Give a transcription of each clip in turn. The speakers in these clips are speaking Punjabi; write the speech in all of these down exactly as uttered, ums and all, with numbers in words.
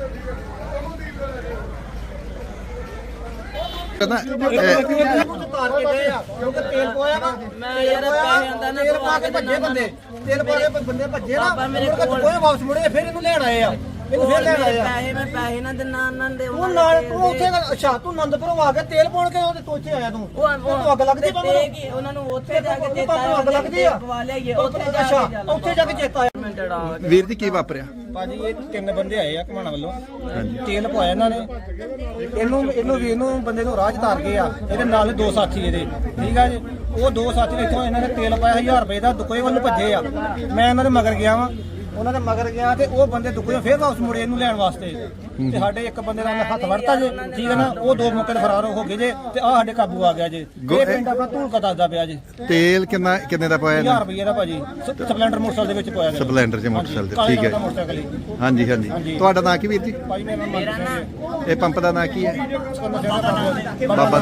ਕਹਿੰਦਾ ਤੇਲ ਪਵਾਇਆ ਨਾ ਮੈਂ ਯਾਰ ਪੈਸੇ ਆਂਦਾ ਨਾ ਤੇਲ ਪਾ ਕੇ ਭੱਜੇ ਬੰਦੇ ਤੇਲ ਪਾ ਕੇ ਬੰਦੇ ਭੱਜੇ ਨਾ ਮੇਰੇ ਕੋਲ ਕੋਈ ਵਾਪਸ ਮੁੜੇ ਫਿਰ ਇਹਨੂੰ ਲੈਣ ਆਏ ਆ ਇਹਨੂੰ ਫਿਰ ਲੈਣ ਆਏ ਆ ਪੈਸੇ ਮੈਂ ਪੈਸੇ ਨਾ ਦਿਨਾ ਨਾ ਦੇ ਉਹ ਨਾਲ ਤੂੰ ਉੱਥੇ ਅੱਛਾ ਤੂੰ ਆਨੰਦਪੁਰੋਂ ਆ ਕੇ ਤੇਲ ਪਾਉਣ ਕੇ ਉਹਦੇ ਤੋਚੇ ਆਇਆ ਤੂੰ ਉਹ ਅੱਗ ਲੱਗਦੀ ਬੰਦੇ ਕੀ ਉਹਨਾਂ ਨੂੰ ਉੱਥੇ ਜਾ ਕੇ ਚੇਤਾ ਅੱਗ ਲੱਗਦੀ ਆ ਪਵਾ ਲਿਆਈਏ ਉੱਥੇ ਜਾ ਕੇ ਉੱਥੇ ਜਾ ਕੇ ਚੇਤਾ ਆਇਆ ਵੀਰ ਜੀ ਕੀ ਵਾਪਰਿਆ ਭਾਜੀ ਇਹ ਤਿੰਨ ਬੰਦੇ ਆਏ ਆ ਘਮਾਣਾ ਵੱਲੋਂ ਤੇਲ ਪਵਾਇਆ ਇਹਨਾਂ ਨੇ ਇਹਨੂੰ ਇਹਨੂੰ ਵੀ ਇਹਨੂੰ ਬੰਦੇ ਨੂੰ ਰਾਹ ਚ ਤਾਰ ਗਏ ਆ ਇਹਦੇ ਨਾਲ ਦੋ ਸਾਥੀ ਇਹਦੇ ਠੀਕ ਆ ਜੀ ਉਹ ਦੋ ਸਾਥੀ ਨੇ ਇੱਥੋਂ ਇਹਨਾਂ ਨੇ ਤੇਲ ਪਾਇਆ ਹਜ਼ਾਰ ਰੁਪਏ ਦਾ ਦੁਕੋਏ ਵੱਲ ਭੱਜੇ ਆ ਮੈਂ ਇਹਨਾਂ ਦੇ ਮਗਰ ਗਿਆ ਵਾਂ ਉਹਨਾਂ ਦੇ ਮਗਰ ਗਿਆ ਤੇ ਉਹ ਬੰਦੇ ਦੁਕੋਏ ਫੇਰ ਵਾਪਸ ਮੁੜੇ ਇਹਨੂੰ ਲੈਣ ਵਾਸਤੇ ਤੇ ਸਾਡੇ ਇੱਕ ਬੰਦੇ ਦਾ ਹੱਥ ਵੜਤਾ ਜੇ ਠੀਕ ਹੈ ਨਾ ਉਹ ਦੋ ਮੌਕੇ ਤੇ ਫਰਾਰ ਹੋ ਗਏ ਜੇ ਤੇ ਆ ਸਾਡੇ ਕਾਬੂ ਆ ਗਿਆ ਜੇ ਇਹ ਪਿੰਡ ਆਪਣਾ ਧੂਲਕਾ ਦੱਸਦਾ ਪਿਆ ਜੇ ਤੇਲ ਕਿੰਨਾ ਕਿੰਨੇ ਦਾ ਪਾਇਆ ਹਜ਼ਾਰ ਰੁਪਏ ਦਾ ਭਾਜੀ ਸਪਲੈਂਡਰ ਮੋਟਰਸਾਈਕਲ ਦੇ ਵਿੱਚ ਪਾਇਆ ਗਿਆ ਸਪਲੈਂਡਰ ਚ ਮੋਟਰਸਾਈਕਲ ਠੀਕ ਹੈ ਹਾਂਜੀ ਹਾਂਜੀ ਤੁਹਾਡਾ ਨਾਂ ਕੀ ਵੀਰ ਜੀ ਭਾਜੀ ਮੇਰਾ ਨਾਮ ਇਹ ਪੰਪ ਦਾ ਨਾਂ ਕੀ ਹੈ ਬਾਬਾ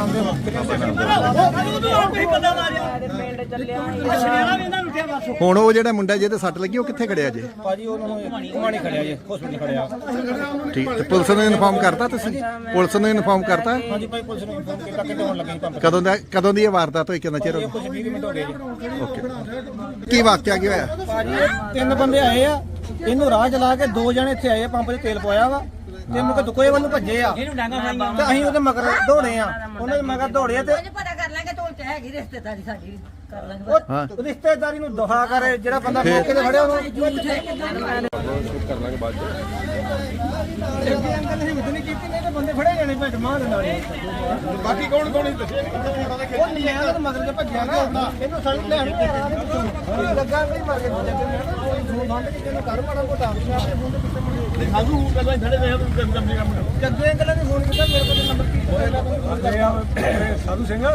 ਹੁਣ ਉਹ ਜਿਹੜਾ ਮੁੰਡਾ ਜਿਹਦੇ ਸੱਟ ਲੱਗੀ ਉਹ ਕਿੱਥੇ ਖੜਿਆ ਜੇ ਭਾਜੀ ਉਹਨਾਂ ਨੂੰ ਘੁਮਾਣੀ ਖੜਿਆ ਜੇ ਹਸਪੀਟਲ ਖੜਿਆ ਠੀਕ ਤੇ ਪੁਲਿਸ ਨੂੰ ਇਨਫਾਰਮ ਕਰਤਾ ਤੁਸੀਂ ਪੁਲਿਸ ਨੂੰ ਇਨਫਾਰਮ ਕਰਤਾ ਹਾਂਜੀ ਭਾਈ ਪੁਲਿਸ ਨੂੰ ਇਨਫਾਰਮ ਕੀਤਾ ਕਿ ਹੋਣ ਲੱਗੀ ਪੰਪ ਕਦੋਂ ਦਾ ਕਦੋਂ ਦੀ ਇਹ ਵਾਰਦਾਤ ਹੋਈ ਕਿੰਨਾ ਚਿਰ ਹੋ ਕੁਝ ਵੀਹ ਮਿੰਟ ਹੋ ਗਏ ਜੀ ਓਕੇ ਕੀ ਵਾਕਿਆ ਕੀ ਹੋਇਆ ਭਾਜੀ ਤਿੰਨ ਬੰਦੇ ਆਏ ਆ ਇਹਨੂੰ ਰਾਹ ਚਲਾ ਕੇ ਦੋ ਜਣੇ ਇੱਥੇ ਆਏ ਆ ਪੰਪ 'ਚ ਤੇਲ ਪਵਾਇਆ ਵਾ ਤੇ ਮੁਕ ਦੁਕੋਏ ਵੱਲ ਨੂੰ ਭੱਜੇ ਆ ਤੇ ਅਸੀਂ ਉਹਦੇ ਮਗਰ ਦੌੜੇ ਆ ਉਹਨਾਂ ਦੇ ਮਗਰ ਦੌੜੇ ਆ ਤੇ ਪਤਾ ਕਰ ਲਾਂਗੇ ਤੋਲ ਚ ਹੈਗੀ ਰਿਸ਼ਤੇਦਾਰੀ ਸਾਡੀ ਕਰ ਲਾਂਗੇ ਉਹ ਰਿਸ਼ਤੇਦਾਰੀ ਨੂੰ ਦੁਹਾ ਕਰੇ ਜਿਹੜਾ ਬੰਦਾ ਮੌਕੇ ਤੇ ਫੜਿਆ ਉਹਨੂੰ ਕਰ ਲਾਂਗੇ ਬਾਅਦ ਜੱਗੇ ਅੰਕਲ ਨੇ ਹਿੰਮਤ ਨਹੀਂ ਕੀਤੀ ਨਹੀਂ ਤਾਂ ਬੰਦੇ ਫੜੇ ਜਾਣੇ ਭੱਜ ਮਾਰ ਦੇ ਨਾਲ ਬਾਕੀ ਕੌਣ ਕੌਣ ਦੱਸੇ ਉਹ ਮੈਂ ਉਹਦੇ ਮਗਰ ਤੇ ਭੱਜਿਆ ਗਿਆ ਇਹਨੂੰ ਸੜਕ ਲੈਣ ਲੱਗਾ ਕੋਈ ਮਾਰ ਕੇ ਕੋਈ ਫੋਨ ਬੰਦ ਕਿਤੇ ਨੂੰ ਕਰ ਮਾੜਾ ਮੋਟਾ ਮੈਂ ਆਪਣੇ ਫੋਨ ਤੇ ਕਿੱਥੇ ਸਾਧੂ ਪਹਿਲਾਂ ਥੜੇ ਦੇ ਕੰਮ ਕੰਮ ਜੱਗੇ ਅੰਕਲ ਨੇ ਫੋਨ ਕੀਤਾ ਮੇਰੇ ਕੋਲ ਨੰਬਰ ਕੀ ਹੋਇਆ ਸਾਧੂ ਸਿੰਘ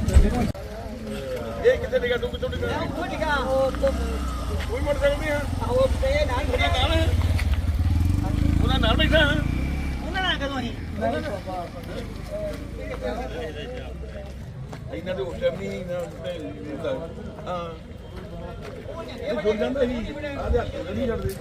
ਇਹ ਕਿੱਥੇ ਨਿਕਾ ਤੂੰ ਕਿੱਥੋਂ ਨਿਕਾ ਉਹ ਨਿਕਾ ਉਹ ਤੋਂ ਕੋਈ ਮੋਟਰਸਾਈਕਲ ਨਹੀਂ ਹੈ ਉਹ ਤੇ ਨਾਲ ਉਹਦਾ ਨਾਮ ਹੈ ਉਹਦਾ ਨਾਮ ਬੈਠਾ ਹੈ ਉਹਨਾਂ ਨਾਲ ਕਦੋਂ ਅਸੀਂ ਇਹਨਾਂ ਦੇ ਉਸ ਟਾਈਮ ਨਹੀਂ ਨਾ ਹਾਂ ਇਹ ਬੋਲ ਜਾਂਦਾ ਸੀ ਆਦੇ ਹੱਥ ਨਹੀਂ ਛੱਡਦੇ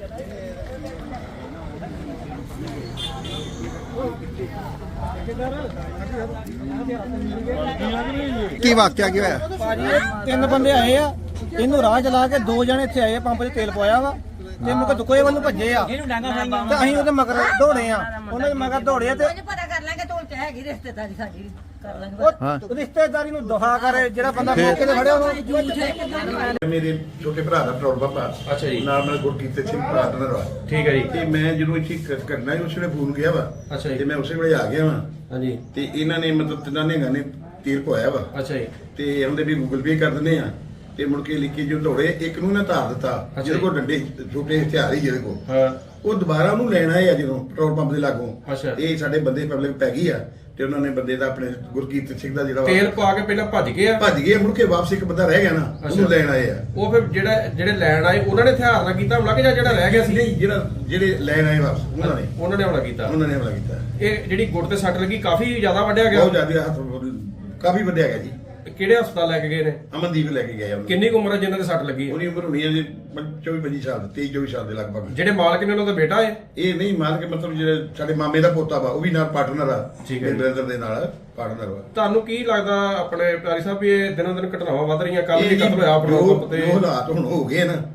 ਕੀ ਵਾਕਿਆ ਕੀ ਹੋਇਆ ਭਾਜੀ ਤਿੰਨ ਬੰਦੇ ਆਏ ਆ ਇਹਨੂੰ ਰਾਹ ਚਲਾ ਕੇ ਦੋ ਜਣੇ ਇੱਥੇ ਆਏ ਆ ਪੰਪ 'ਚ ਤੇਲ ਪਵਾਇਆ ਵਾ ਤੇ ਮੁਕ ਦੁਕੋਏ ਵੱਲ ਨੂੰ ਭੱਜੇ ਆ ਤੇ ਅਸੀਂ ਉਹਦੇ ਮਗਰ ਦੌੜੇ ਆ ਉਹਨਾਂ ਦੇ ਮਗਰ ਦੌੜੇ ਆ ਤੇ ਪਤਾ ਕਰ ਲਾਂਗੇ ਤੋਲ ਚ ਹੈਗੀ ਰਿਸ਼ਤੇਦਾਰੀ ਸਾਡੀ ਕਰ ਲਾਂਗੇ ਉਹ ਰਿਸ਼ਤੇਦਾਰੀ ਨੂੰ ਦੁਹਾ ਕਰੇ ਜਿਹੜਾ ਬੰਦਾ ਮੌਕੇ ਤੇ ਫੜਿਆ ਉਹਨੂੰ ਮੇਰੇ ਛੋਟੇ ਭਰਾ ਦਾ ਪੈਟਰੋਲ ਪੰਪ ਆ ਅੱਛਾ ਜੀ ਨਾਲ ਮੇਰੇ ਗੁਰਕੀਰਤ ਸਿੰਘ ਪਾਰਟਨਰ ਵਾ ਠੀਕ ਹੈ ਜੀ ਤੇ ਮੈਂ ਜਦੋਂ ਇੱਥੇ ਕ- ਕਰਨਾ ਸੀ ਉਸ ਵੇਲੇ ਫੋਨ ਗਿਆ ਵਾ ਅੱਛਾ ਜੀ। ਤੇ ਮੈਂ ਉਸੇ ਵੇਲੇ ਆ ਗਿਆ ਵਾ ਹਾਂਜੀ ਤੇ ਇਹਨਾਂ ਨੇ ਮਤਲਬ ਤਿੰਨਾਂ ਨੇ ਨੇ ਤੀਰ ਪਵਾਇਆ ਵਾ ਅੱਛਾ ਜੀ ਤੇ ਉਹਦੇ ਵੀ ਗੂਗਲ ਪੇ ਕਰ ਦਿੰਦੇ ਆ ਤੇ ਮੁੜ ਕੇ ਲਿਖੀ ਜੋ ਦੌੜੇ ਇੱਕ ਨੂੰ ਨਾ ਧਾਰ ਦਿੱਤਾ ਅੱਛਾ ਜਿਹਦੇ ਜੀ। ਕੋਲ ਡੰਡੇ ਛੋਟੇ ਹਥਿਆਰ ਹੀ ਜਿਹਦੇ ਕੋਲ ਹਾਂ ਉਹ ਦੁਬਾਰਾ ਉਹਨੂੰ ਲੈਣ ਆਏ ਆ ਜਦੋਂ ਪੈਟਰੋਲ ਪੰਪ ਦੇ ਲਾਗੋਂ ਅੱਛਾ। ਇਹ ਸਾਡੇ ਬੰਦੇ ਪਬਲਿਕ ਪੈ ਗਈ ਆ ਤੇ ਉਹਨਾਂ ਨੇ ਬੰਦੇ ਦਾ ਆਪਣੇ ਗੁਰਕੀਰਤ ਸਿੰਘ ਦਾ ਜਿਹੜਾ ਵਾ ਤੇਲ ਪਾ ਕੇ ਪਹਿਲਾਂ ਭੱਜ ਗਏ ਆ ਭੱਜ ਗਏ ਮੁੜ ਕੇ ਵਾਪਸ ਇੱਕ ਬੰਦਾ ਰਹਿ ਗਿਆ ਨਾ ਉਹਨੂੰ ਅੱਛਾ। ਲੈਣ ਆਏ ਆ ਉਹ ਫਿਰ ਜਿਹੜਾ ਜਿਹੜੇ ਲੈਣ ਆਏ ਉਹਨਾਂ ਨੇ ਹਥਿਆਰ ਨਾਲ ਕੀਤਾ ਹਮਲਾ ਕਿ ਜਾਂ ਜਿਹੜਾ ਰਹਿ ਗਿਆ ਸੀ ਨਹੀਂ ਜਿਹੜਾ ਜਿਹੜੇ ਲੈਣ ਆਏ ਵਾਪਸ ਉਹਨਾਂ ਨੇ ਉਹਨਾਂ ਨੇ ਹਮਲਾ ਕੀਤਾ ਉਹਨਾਂ ਨੇ ਹਮਲਾ ਕੀਤਾ ਇਹ ਜਿਹੜੀ ਗੁੱਟ ਤੇ ਸੱਟ ਲੱਗੀ ਕਾਫੀ ਜ਼ਿਆਦਾ ਵੱਢਿਆ ਗਿਆ ਬਹੁਤ ਜ਼ਿਆਦਾ ਹੱਥ ਕਾਫੀ ਵੱਡਿਆ ਗਿਆ ਜੀ ਕਿਹੜੇ ਹਸਪਤਾਲ ਲੈ ਕੇ ਗਏ ਨੇ ਅਮਨਦੀਪ ਲੈ ਕੇ ਗਏ ਉਹਨੂੰ ਕਿੰਨੀ ਕੁ ਉਮਰ ਹੈ ਜਿਨ੍ਹਾਂ ਦੇ ਸੱਟ ਲੱਗੀ ਹੈ? ਉਹਦੀ ਉਮਰ ਹੋਣੀ ਹੈ ਜੀ ਚੌਵੀ ਪੱਚੀ ਸਾਲ ਤੇਈ ਚੌਵੀ ਸਾਲ ਦੇ ਲਗਭਗ ਜਿਹੜੇ ਮਾਲਕ ਨੇ ਉਹਨਾਂ ਦਾ ਬੇਟਾ ਹੈ ਇਹ ਨਹੀਂ ਮੰਨ ਕੇ ਮਤਲਬ ਜਿਹੜੇ ਸਾਡੇ ਮਾਮੇ ਦਾ ਪੋਤਾ ਵਾ ਉਹ ਵੀ ਨਾਲ ਪਾਰਟਨਰ ਆ ਠੀਕ ਹੈ ਜੀ। ਬ੍ਰਦਰ ਦੇ ਨਾਲ ਪਾਰਟਨਰ ਵਾ ਤੁਹਾਨੂੰ ਕੀ ਲੱਗਦਾ ਆਪਣੇ ਪਿਆਰੀ ਸਾਹਿਬ ਵੀ ਇਹ ਦਿਨੋਂ ਦਿਨ ਘਟਨਾਵਾਂ ਵੱਧ ਰਹੀਆਂ ਕੱਲ ਇਹ ਵੀ ਜੀ ਕਤਲ ਹੋਇਆ ਪੈਟਰੋਲ ਜੋ- ਪੰਪ ਤੇ ਜੋ ਹਾਲਾਤ ਹੁਣ ਹੋ ਗਏ ਨਾ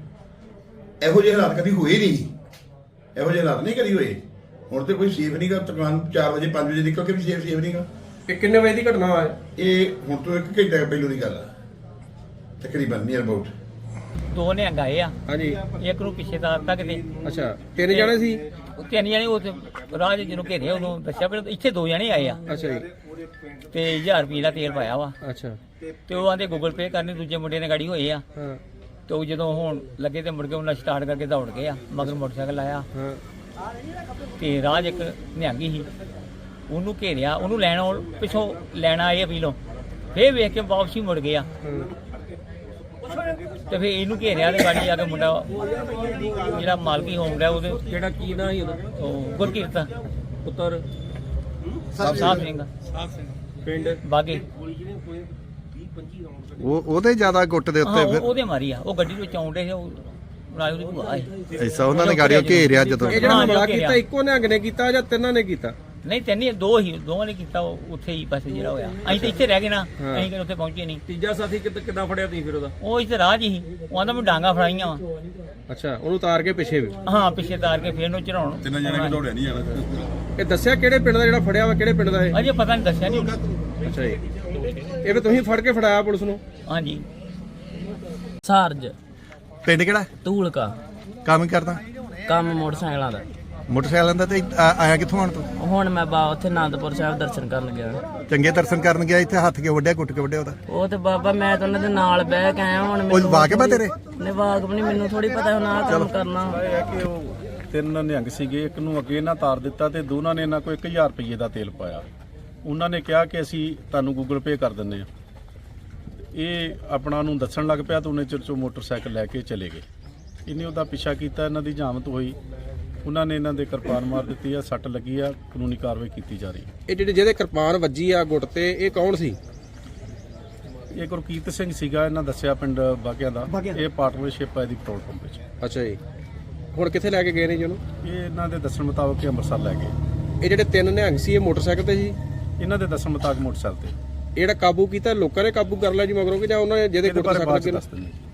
ਇਹੋ ਜਿਹੇ ਹਾਲਾਤ ਕਦੀ ਹੋਏ ਨਹੀਂ ਇਹੋ ਜਿਹੇ ਹਾਲਾਤ ਨਹੀਂ ਕਦੀ ਹੋਏ ਹੁਣ ਤੇ ਕੋਈ ਸੇਫ ਨਹੀਂਗਾ ਦੁਕਾਨ ਚਾਰ ਵਜੇ ਪੰਜ ਵਜੇ ਨਿਕਲ ਕੇ ਵੀ ਸੇਫ ਸੇਫ ਨਹੀਂਗਾ ਇਹ ਕਿੰਨੇ ਵਜੇ ਦੀ ਘਟਨਾ ਹੈ? ਇਹ ਹੁਣ ਤੋਂ ਇੱਕ ਘੰਟਾ ਪਹਿਲੋਂ ਦੀ ਗੱਲ ਆ ਤਕਰੀਬਨ ਨੀਅਰ ਅਬਾਊਟ ਦੋ ਨਿਹੰਗ ਆਏ ਆ ਹਾਂਜੀ ਇੱਕ ਨੂੰ ਪਿੱਛੇ ਦਾ ਤੱਕ ਦੇ ਅੱਛਾ ਤਿੰਨ ਜਣੇ ਸੀ ਉਹ ਤਿੰਨ ਜਣੇ ਉਹ ਤੇ ਰਾਹ 'ਚ ਜਿਹਨੂੰ ਘੇਰਿਆ ਉਹਨੂੰ ਦੱਸਿਆ ਪਰ ਇੱਥੇ ਦੋ ਜਣੇ ਆਏ ਆ ਅੱਛਾ ਜੀ ਤੇ ਹਜ਼ਾਰ ਰੁਪਏ ਦਾ ਤੇਲ ਪਾਇਆ ਵਾ ਅੱਛਾ ਤੇ ਉਹ ਆਂਦੇ ਗੂਗਲ ਪੇ ਕਰਨੀ ਦੂਜੇ ਮੁੰਡੇ ਨੇ ਗਾੜੀ ਹੋਏ ਆ ਹਾਂ ਤੇ ਉਹ ਜਦੋਂ ਹੁਣ ਲੱਗੇ ਤੇ ਮੁੜ ਕੇ ਉਹਨਾਂ ਸਟਾਰਟ ਕਰਕੇ ਦੌੜ ਗਏ ਆ ਮਗਰ ਮੋਟਰਸਾਈਕਲ ਆਇਆ ਹਾਂ ਤੇ ਰਾਹ 'ਚ ਇੱਕ ਨਿਹੰਗੀ ਸੀ ਉਹਨੂੰ ਘੇਰਿਆ ਉਹਨੂੰ ਲੈਣ ਆਉਣ- ਪਿੱਛੋਂ ਲੈਣਾ ਆਏ ਪੀਲੋਂ ਫੇਰ ਵੇਖ ਕੇ ਵਾਪਸੀ ਮੁੜ ਗਿਆ ਤੇ ਫੇਰ ਇਹਨੂੰ ਘੇਰਿਆ ਤੇ ਗਾੜੀ ਜਾ ਕੇ ਮੁੰਡਾ ਜਿਹੜਾ ਮਾਲਕੀ ਹੋਮ ਰਿਹਾ ਉਹਦੇ ਜਿਹੜਾ ਕੀ ਨਾਂ ਸੀ ਉਹਦਾ ਉਹ ਗੁਰਕੀਰਤ ਪੁੱਤਰ ਸਾਹਿਬ ਸਿੰਘ ਪਿੰਡ ਬਾਗੇ ਉਹ ਉਹਦੇ ਜ਼ਿਆਦਾ ਗੁੱਟ ਦੇ ਹਾਂ ਉੱਤੇ ਉਹ- ਫਿਰ ਉਹਦੇ ਮਾਰੀ ਆ ਉਹ ਗੱਡੀ ਵਿੱਚ ਆਉਂਦੇ ਸੀ ਉਹ ਰਾਜੂ ਦੀ ਭੂਆ ਹੈ। ਐਸਾ ਉਹਨਾਂ ਨੇ ਗਾੜੀਆਂ ਘੇਰਿਆ ਜਦੋਂ ਇਹ ਜਿਹੜਾ ਹਾਂ, ਹਮਲਾ ਜੋ ਘੇਰਿਆ। ਕੀਤਾ ਇੱਕੋ ਨਿਹੰਗ ਨੇ ਕੀਤਾ ਜਾਂ ਤਿੰਨਾਂ ਨੇ ਕੀਤਾ? ਨਹੀਂ ਤੈਨੂੰ ਦੋ ਹੀ ਦੋਵਾਂ ਨੇ ਕੀਤਾ, ਉਹ ਉੱਥੇ ਹੀ ਬਸ ਜਿਹੜਾ ਹੋਇਆ। ਅਸੀਂ ਤਾਂ ਇੱਥੇ ਰਹਿ ਗਏ ਨਾ, ਹਾਂ। ਅਸੀਂ ਕਿਤੇ ਉੱਥੇ ਪਹੁੰਚੇ ਨਹੀਂ। ਤੀਜਾ ਸਾਥੀ ਕਿੱਦਾਂ ਕਿੱਦਾਂ ਫੜਿਆ ਤੁਸੀਂ ਫਿਰ ਉਹਦਾ? ਉਹ ਇੱਥੇ ਰਾਹ 'ਚ ਹੀ, ਉਹ ਆਂਦਾ ਮੈਂ ਡਾਂਗਾ ਫੜਾਈਆਂ ਵਾ। ਅੱਛਾ, ਉਹਨੂੰ ਉਤਾਰ ਕੇ ਪਿੱਛੇ ਵੀ। ਹਾਂ ਪਿੱਛੇ ਤਾਰ ਕੇ ਫੇਰ ਨੂੰ ਚੜਾਉਣ। ਤਿੰਨ ਜਣੇ ਕਿ ਦੌੜਿਆ ਨਹੀਂ ਜਾਣਾ। ਇਹ ਦੱਸਿਆ ਕਿਹੜੇ ਪਿੰਡ ਦਾ ਜਿਹੜਾ ਫੜਿਆ ਵਾ, ਕਿਹੜੇ ਪਿੰਡ ਦਾ ਇਹ? ਅਜੇ ਪਤਾ ਨਹੀਂ ਦੱਸਿਆ ਨਹੀਂ। ਅੱਛਾ ਜੀ, ਇਹ ਵੀ ਤੁਸੀਂ ਫੜ ਕੇ ਫੜਾਇਆ ਪੁਲਿਸ ਨੂੰ? ਹਾਂਜੀ ਸਾਰਜ ਪਿੰਡ ਕਿਹੜਾ? ਧੂਲਕਾ। ਕੰਮ ਕਰਦਾ? ਕੰਮ ਮੋਟਰਸਾਈਕਲਾਂ ਦਾ। ਮੋਟਰਸਾਈਕਲਾਂ ਦਾ। ਤੇ ਆ- ਆਇਆ ਕਿੱਥੋਂ ਆਣ ਤੂੰ? ਹੁਣ ਮੈਂ ਬਾ ਉੱਥੇ ਆਨੰਦਪੁਰ ਸਾਹਿਬ ਦਰਸ਼ਨ ਕਰਨ ਗਿਆ। ਚੰਗੇ ਦਰਸ਼ਨ ਕਰਨ ਗਿਆ, ਇੱਥੇ ਹੱਥ ਕੇ ਵੱਢਿਆ, ਕੁੱਟ ਕੇ ਵੱਢਿਆ ਉਹਦਾ। ਉਹ ਤੇ ਬਾਬਾ ਮੈਂ ਤਾਂ ਉਹਨਾਂ ਦੇ ਨਾਲ ਬਹਿ ਕੇ ਆਇਆ। ਹੁਣ ਉਹ ਵਾਕਿਆ ਤੇਰੇ? ਨੇ ਵਾਕਬ ਨਹੀਂ, ਮੈਨੂੰ ਥੋੜੀ ਪਤਾ ਹੁਣ ਆਹ ਕੰਮ ਕਰਨਾ। ਇਹ ਹੈ ਕਿ ਉਹ ਤਿੰਨ ਨਿਹੰਗ ਸੀਗੇ, ਇੱਕ ਨੂੰ ਅੱਗੇ ਨਾ ਤਾਰ ਦਿੱਤਾ ਤੇ ਦੋਨਾਂ ਨੇ ਇਹਨਾਂ ਕੋਲ ਇੱਕ ਹਜ਼ਾਰ ਰੁਪਏ ਦਾ ਤੇਲ ਪਾਇਆ। ਉਹਨਾਂ ਨੇ ਕਿਹਾ ਕਿ ਅਸੀਂ ਤੁਹਾਨੂੰ ਗੂਗਲ ਪੇ ਕਰ ਦਿੰਦੇ ਹਾਂ। ਇਹ ਆਪਣਾ ਨੂੰ ਦੱਸਣ ਲੱਗ ਪਿਆ ਤਾਂ ਉਹਨੇ ਚਿਰ ਚੋਂ ਮੋਟਰਸਾਈਕਲ ਲੈ ਕੇ ਚਲੇ ਗਏ। ਇਹਨੇ ਉਹਦਾ ਪਿੱਛਾ ਕੀਤਾ, ਇਹਨਾਂ ਦੀ ਜਾਮਤ ਹੋਈ, ਉਹਨਾਂ ਨੇ ਇਹਨਾਂ ਦੇ ਕਿਰਪਾਨ ਮਾਰ ਦਿੱਤੀ ਆ, ਸੱਟ ਲੱਗੀ ਆ, ਕਾਨੂੰਨੀ ਕਾਰਵਾਈ ਕੀਤੀ ਜਾ ਰਹੀ ਹੈ। ਇਹ ਜਿਹੜੇ ਜਿਹਦੇ ਕਿਰਪਾਨ ਵੱਜੀ ਆ ਗੁੱਟ ਤੇ, ਇਹ ਕੌਣ ਸੀ? ਇਹ ਗੁਰਕੀਰਤ ਸਿੰਘ ਸੀਗਾ, ਇਹਨਾਂ ਦੱਸਿਆ ਪਿੰਡ ਬਾਗਿਆਂ ਦਾ। ਇਹ ਪਾਰਟਨਰਸ਼ਿਪ ਹੈ ਇਹਦੀ ਪੈਟਰੋਲ ਪੰਪ ਵਿੱਚ। ਅੱਛਾ ਜੀ, ਹੁਣ ਕਿੱਥੇ ਲੈ ਕੇ ਗਏ ਨੇ ਜੀ ਉਹਨੂੰ? ਇਹ ਇਹਨਾਂ ਦੇ ਦੱਸਣ ਮੁਤਾਬਕ ਇਹ ਅੰਮ੍ਰਿਤਸਰ ਲੈ ਗਏ। ਇਹ ਜਿਹੜੇ ਤਿੰਨ ਨਿਹੰਗ ਸੀ, ਇਹ ਮੋਟਰਸਾਈਕਲ ਤੇ ਸੀ? ਇਹਨਾਂ ਦੇ ਦੱਸਣ ਮੁਤਾਬਕ ਮੋਟਰਸਾਈਕਲ ਤੇ। ਇਹ ਜਿਹੜਾ ਕਾਬੂ ਕੀਤਾ, ਲੋਕਾਂ ਨੇ ਕਾਬੂ ਕਰ ਲਿਆ ਜੀ ਮਗਰੋਂ ਕਿ ਜਾਂ ਉਹਨਾਂ ਨੇ ਜਿਹਦੇ ਇਹਦੇ ਗੁੱਟ ਬਾਰੇ ਸੱਟ ਬਾਅਦ ਚ ਲੱਗੇ? ਦੱਸ ਦਿੰਦੇ ਜੀ।